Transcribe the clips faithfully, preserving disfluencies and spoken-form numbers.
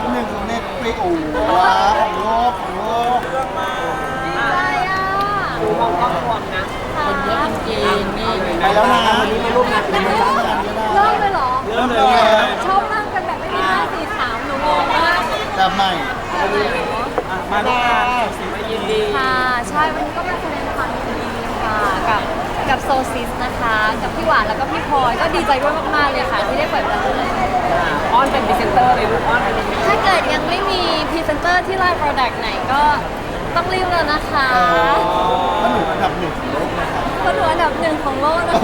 บหนึ่งของเน็ตฟลิกโอ้ว้าวของโลกของโลกอะไรอ่ะดูมองกล้องรวมนะคนเยอะจริงๆนี่ไปแล้วนะวันนี้มาร่วมงานเป็นยังไงบ้างเริ่มเลยเหรอเริ่มเลยชอบนั่งกันแบบไม่มีห้าสี่สามหนูงงมากแบบใหม่มาร่วมงานมายินดีค่ะ ใช่วันนี้ก็มาแสดงความยินดีค่ะกับกับโซซิสนะคะ กับพี่หวานแล้วก็พี่พลอยก็ดีใจด้วยมากๆเลยค่ะที่ได้เปิดร้านอ้อนเป็นพรีเซนเตอร์เลยลูกอ้อนเป็นถ้าเกิดยังไม่มีพรีเซนเตอร์ที่ไลน์โปรดักต์ไหนก็ต้องรีบแล้วนะคะแล้วหนูอันดับหนึ่งของโลกนะครับเพราะหนูอันดับหนึ่งของโลกนะคะ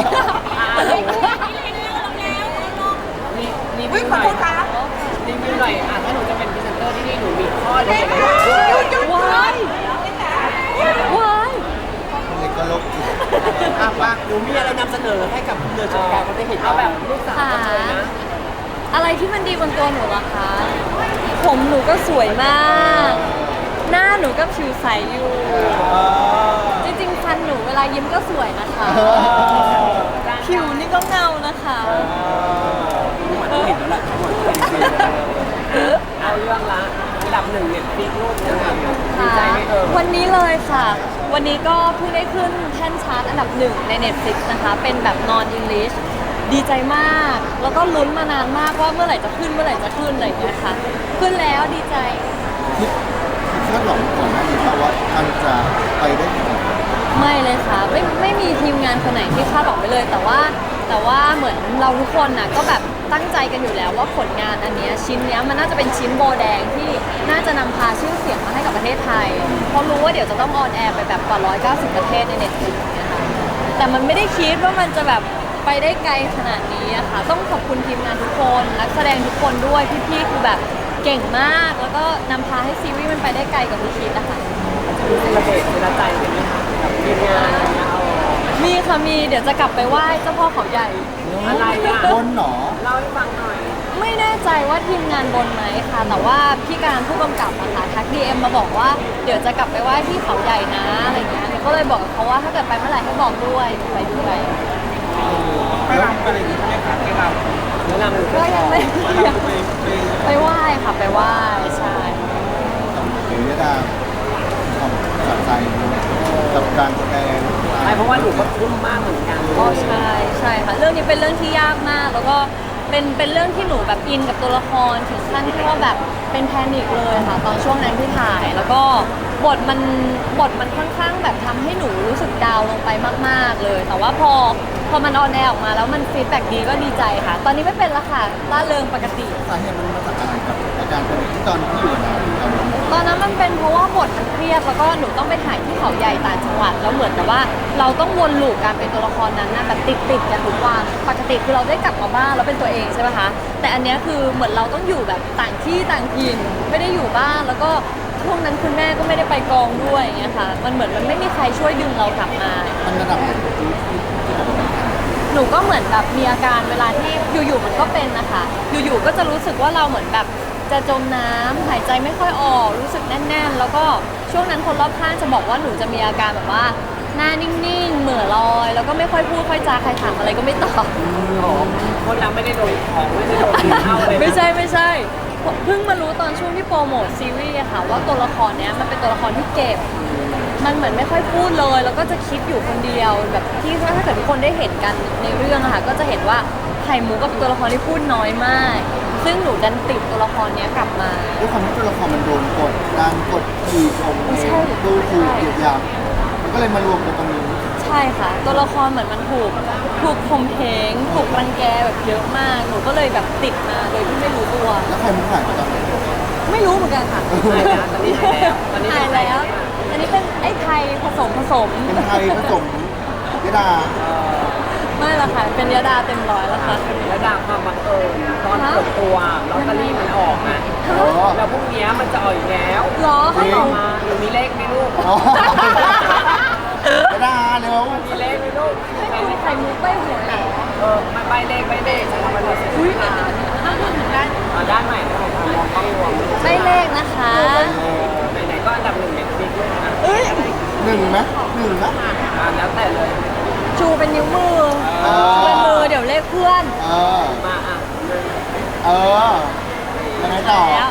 รีรีวิวหน่อยรีวิวหน่อยอ่ะถ้าหนูจะเป็นพรีเซนเตอร์ที่นี่หนูมีข้อดีอะไรบ้างว้ายว้ายเด็กก็โลกจิตอ่ะปะหนูมีอะไรนำเสนอให้กับเดือนชมการเขาได้เห็นเอาแบบลูกสาวกันเลยนะอะไรที่มันดีบนตัวหนูล่ะคะ ผมหนูก็สวยมาก หน้าหนูก็ผิวใสอยู่ จริงๆฟันหนูเวลายิ้มก็สวยนะคะ ผิวนี่ก็เงานะคะเห็นแล้วแหละเอาเรื่องละอันดับหนึ่งเนี่ยปีกลูกยังไงดีใจไหมเออวันนี้เลยค่ะ วันนี้ก็เพิ่งได้ขึ้นแท่นชาร์ตอันดับหนึ่งใน Netflix นะคะ เป็นแบบ non English ดีใจมาก แล้วก็ลุ้นมานานมากว่าเมื่อไหร่จะขึ้นเมื่อไหร่จะขึ้นอะไรอย่างเงี้ยค่ะ ขึ้นแล้วดีใจคิดคาดหวังก่อนหน้านี้ว่ามันจะไปได้ถึงไหนไม่เลยค่ะไม่ไม่มีทีมงานคนไหนที่คาดหวังไปเลย แต่ว่าแต่ว่าเหมือนเราทุกคนน่ะก็แบบตั้งใจกันอยู่แล้วว่าผลงานอันเนี้ยชิ้นเนี้ยมันน่าจะเป็นชิ้นโบแดงที่น่าจะนำพาชื่อเสียงมาให้กับประเทศไทยเพราะรู้ว่าเดี๋ยวจะต้องออนแอร์ไปแบบกว่าหนึ่งร้อยเก้าสิบประเทศในเน็ตฟลิกเนี่ยค่ะแต่มันไม่ได้คิดว่ามันจะแบบไปได้ไกลขนาดนี้อะค่ะต้องขอบคุณทีมงานทุกคนนักแสดงทุกคนด้วยพี่ๆคือแบบเก่งมากแล้วก็นำพาให้ซีรีส์มันไปได้ไกลกว่าที่คิดนะคะจะมีเซเลบเรตเวลาใจกันไหมคะกับทีมงานอะไรเงี้ยเอามีค่ะมีเดี๋ยวจะกลับไปไหว้เจ้าพ่อเขาใหญ่อะไรอ่ะบนหนอเล่าให้ฟังหน่อยไม่แน่ใจว่าทีมงานบนไหมค่ะ แต่ว่าพี่การผู้กำกับอะค่ะทักดีเอ็มมาบอกว่าเดี๋ยวจะกลับไปไหว้ที่เขาใหญ่นะอะไรเงี้ยก็เลยบอกกับเขาว่าถ้าเกิดไปเมื่อไหร่ให้บอกด้วยไปด้วยไปรำอะไรอย่างงี้ใช่ไหมคะไปรำแนะนำหนูก็ยังไม่ไปไหว้ค่ะไปไหว้ใช่เดี๋ยวจะดาความสะใจกับการแสดงใช่เพราะว่าหนูก็ทุ่มมากเหมือนกันก็ใช่ใช่ค่ะเรื่องนี้เป็นเรื่องที่ยากมาก แล้วก็เป็นเป็นเรื่องที่หนูแบบอินกับตัวละครถึงขั้นที่ว่าแบบเป็นแพนิคเลยค่ะตอนช่วงนั้นที่ถ่าย แล้วก็บทมันบทมันค่อนข้างแบบทำให้หนูรู้สึกดาวน์ลงไปมากๆเลย แต่ว่าพอพอมันออนแอร์ออกมาแล้วมันฟีดแบ็กดีก็ดีใจค่ะ ตอนนี้ไม่เป็นและค่ะล่าเริงปกติสาเหตุมันมาจากอะไรครับอาการเป็นที่ตอนที่อยู่ในตอนนั้นตอนนั้นมันเป็นเพราะว่าบทมันเครียดแล้วก็หนูต้องไปถ่ายที่เขาใหญ่ต่างจังหวัดแล้วเหมือนกับว่าเราต้องวนลูปการเป็นตัวละครนั้นนะแบบติดติดๆกันทุกวันปกติคือเราได้กลับมาบ้านแล้วเป็นตัวเองใช่ไหมคะแต่อันเนี้ยคือเหมือนเราต้องอยู่แบบต่างที่ต่างถิ่นไม่ได้อยู่บ้านแล้วก็ช่วงนั้นคุณแม่ก็ไม่ได้ไปกองด้วยอย่างเงี้ยค่ะมันเหมือนมันไม่มีใครช่วยดึงเรากลับมามันระดับไหนที่ที่ที่ผมเป็นหนูก็เหมือนแบบมีอาการเวลาที่อยู่ๆมันก็เป็นนะคะ อยู่ๆก็จะรู้สึกว่าเราเหมือนแบบจะจมน้ำหายใจไม่ค่อยออกรู้สึกแน่นๆ แล้วก็ช่วงนั้นคนรอบข้างจะบอกว่าหนูจะมีอาการแบบว่าหน้านิ่งๆ เหม่อลอย แล้วก็ไม่ค่อยพูดค่อยจาใครถามอะไรก็ไม่ตอบคนเราไม่ได้โดนของไม่ได้โดนเข้าเลยไม่ใช่ไม่ใช่เพิ่งมารู้ตอนช่วงที่โปรโมทซีรีส์อะค่ะว่าตัวละครเนี้ยมันเป็นตัวละครที่เก็บ มันเหมือนไม่ค่อยพูดเลย แล้วก็จะคิดอยู่คนเดียวแบบที่ถ้าเกิดทุกคนได้เห็นกันในเรื่องอะค่ะก็จะเห็นว่าไข่มุกก็เป็นตัวละครที่พูดน้อยมาก ซึ่งหนูดันติดตัวละครเนี้ยกลับมาด้วยความที่ตัวละครมันโดนกดดันกดขี่ข่มเหใช่งดูถูกเหยียดหยามมันก็เลยมารวมกันตรงนี้ใช่ค่ะ ตัวละครเหมือนมันถูกถูกข่มเหงถูกรังแกแบบเยอะมาก หนูก็เลยแบบติดมาโดยที่ไม่รู้ตัวแล้วใครมันหายไปตอนไหนไม่รู้เหมือนกันค่ะหายแล้วตอนนี้หายแล้วตอนนี้หายแล้วอันนี้เป็นไอ้ไทยผสมผสมเป็นไทยผสมยดาไม่ละค่ะ เป็นยาดาเต็มร้อยแล้วค่ะแล้วดังความบังเอิญตอนเปิดตัวลอตเตอรี่มันออกอ่ะอ๋อแล้วพรุ่งนี้มันจะออกอีกแล้วเหรอจริงออกมาหนูมีเลขไหมลูกอ๋อยดาเร็วมีเลขไหมลูกไม่มีใครมุกใบหวยเหรอเออไม่ใบเลขใบเลขใช้คำว่าเลขอุ้ยอ่าอ้าวเหมือนกันด้านใหม่นะของมองกล้องรวมใบเลขนะคะไหนๆก็อันดับหนึ่งเน็ตฟลิกด้วยนะเอ้ยหนึ่งไหมหนึ่งนะอ่าแล้วแต่เลยชูเป็นนิ้วมือเออชูเป็นมือเดี๋ยวเลขเพื่อนเออมาอ่ะเออยังไงต่อแล้ว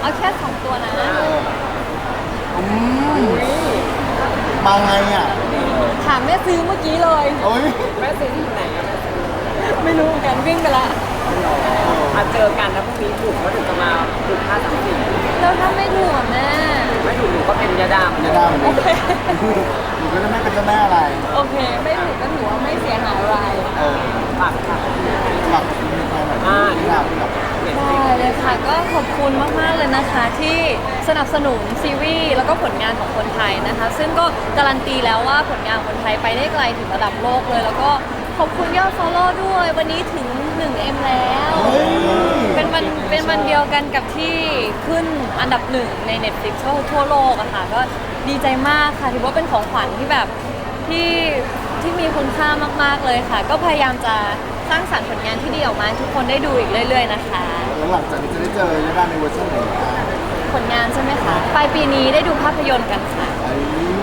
เอาแค่สองตัวนะเอออืมมาไงอ่ะถามแม่ซื้อเมื่อกี้เลยโอ้ยแม่ซื้อที่ไหนอะไม่รู้เหมือนกันวิ่งไปละมาเจอกันแล้วพรุ่งนี้ถูกก็ถึงจะมาถูกห้าสามสี่แล้วถ้าไม่ถูกอ่ะแม่ไม่ถูกหนูก็เป็นยาดามจะได้ไหมหนูก็จะไม่เป็นเจ้าแม่อะไรโอเค ไม่ถูกก็ถือว่าไม่เสียหายอะไรเออฝากค่ะฝากมีใครหน่อยอ่าที่เราแบบได้เลยค่ะก็ขอบคุณมาก ๆ เลยนะคะ ที่สนับสนุนซีรีส์แล้วก็ผลงานของคนไทยนะคะ ซึ่งก็การันตีแล้วว่าผลงานคนไทยไปได้ไกลถึงระดับโลกเลย แล้วก็ขอบคุณยอด follow ด้วย วันนี้ถึง หนึ่งเอ็ม แล้วเฮ้ยเป็นวันเป็นวันเดียวกันกับที่ขึ้นอันดับหนึ่งใน Netflix ทั่วทั่วโลกอะค่ะก็ดีใจมากค่ะถือว่าเป็นของขวัญที่แบบที่ที่มีคุณค่ามาก ๆ เลยค่ะ ก็พยายามจะสร้างสรรค์ผลงานที่ดีออกมาให้ทุกคนได้ดูอีกเรื่อย ๆ นะคะแล้วหลังจากนี้จะได้เจอยาดาในเวอร์ชันไหนอ่ะผลงานใช่ไหมคะปลายปีนี้ได้ดูภาพยนตร์กันค่ะไอ้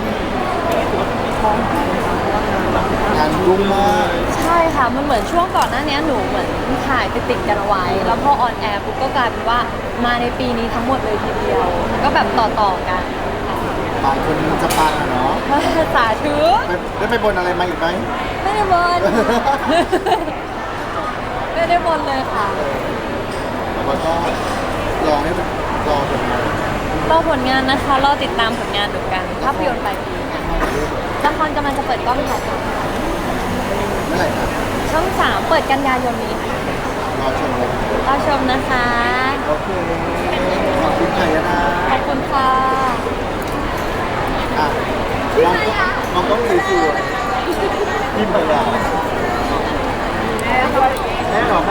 งานรุ่งมากใช่ค่ะ มันเหมือนช่วงก่อนหน้านี้หนูเหมือนถ่ายไปติดกันเอาไว้ แล้วพอออนแอร์ปุ๊บก็กลายเป็นว่ามาในปีนี้ทั้งหมดเลยทีเดียว ก็แบบต่อๆกันค่ะบางคนมันจะปังอะเนาะสาธุไปได้ไปบนอะไรมาอีกไหมไม่ได้บน ไม่ได้บนเลยค่ะแต่ว่าก็รอให้รอผลงานรอผลงานนะคะ รอติดตามผลงานดูกัน ภาพยนตร์ปลายปีละครกำลังจะเปิดกล้องถ่ายทเมื่อไหร่นะำช่องสามเปิดกันยายนนี้ค่ะรอชมเลยรอชมนะคะโอเคขอบคุณไข่นะขอบคุณค่ะอ่ะมองมองต้องสวยๆยิ้มไปแล้วแม่หรอแม่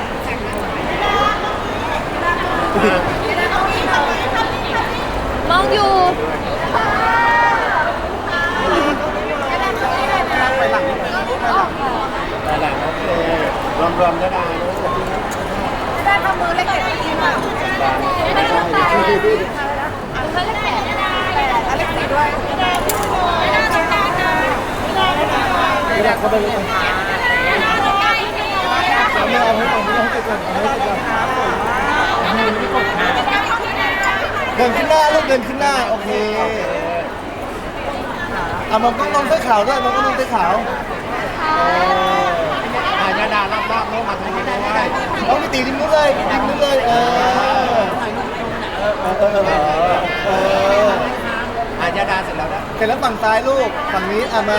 มองอยู่ไปหลังนิดนึงไปหลังโอเครวมรวมได้ได้ลูกได้ทำมือเล็กๆดีมากไม่ได้ตายดีดีดีเขาเรียกแขนแต่อเล็กซี่ด้วยไม่ได้ไม่ได้ไม่ได้ไม่ได้ไม่ได้ไม่ได้เข้าไปเลยเอาไม่เอาไม่เอาไม่เอาไปก่อนเอาไปก่อนเดินขึ้นหน้าลูกเดินขึ้นหน้าโอเคเอามองกล้องน้องเสื้อขาวด้วยมองกล้องน้องเสื้อขาวอาญาดารอบๆน้องมาทางนี้ด้วยน้องไปตีริมนู้นเลยริมนู้นเลยเออเออเออเอออาญาดาเสร็จแล้วนะเสร็จแล้วฝั่งซ้ายลูกฝั่งนี้อ่ะมา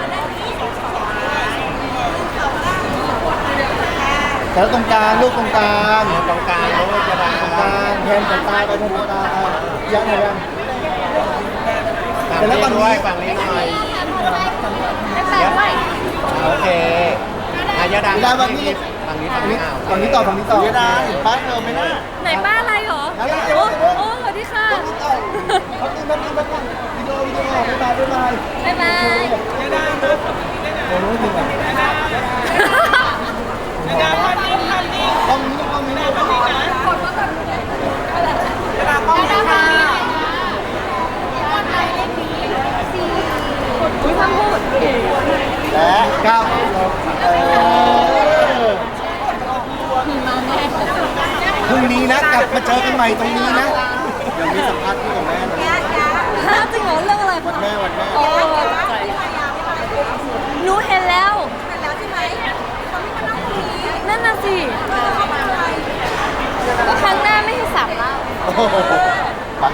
แล้วตรงกลางลูกตรงกลางตรงกลางลูกจะดังตรงกลางแทนสายตาไปแทนสายตายังไงยังแต่แล้วฝั่งนี้ฝั่งนี้หน่อยไม่แปลกด้วยโอเคอายาดาเวลาฝั่งนี้ฝั่งนี้ฝั่ฝั่งงนี้นี้ฝั่งนี้ต่อฝั่งนี้ต่อเวลาเห็นป้ายเธอไหมน่ะไหนป้าอะไรเหรออะไรโอ้เดี๋ยวโอ้สวัสดีค่ะเขาตีมันตีมันวิดีโอวิดีโอบ๊ายบายบ๊ายบายบ๊ายบายโอ้ยจริงอ่ะกล้องนี้กล้องนี้กล้องนี้อุ้ยทำพูดและเก้าเออมาแน่พรุ่งนี้นะกลับมาเจอกันใหม่ตรงนี้นะเดี๋ยวมีสัมภาษณ์คู่กับแม่นะฮะจริงเหรอเรื่องอะไรคะแม่วันแม่โอ้ตกใจหนูเห็นแล้วแล้วใช่ไหมคนที่มานั่งตรงนี้นั่นน่ะสิเขามาอะไรก็ครั้งหน้าไม่ให้สามเล่าโอ้โห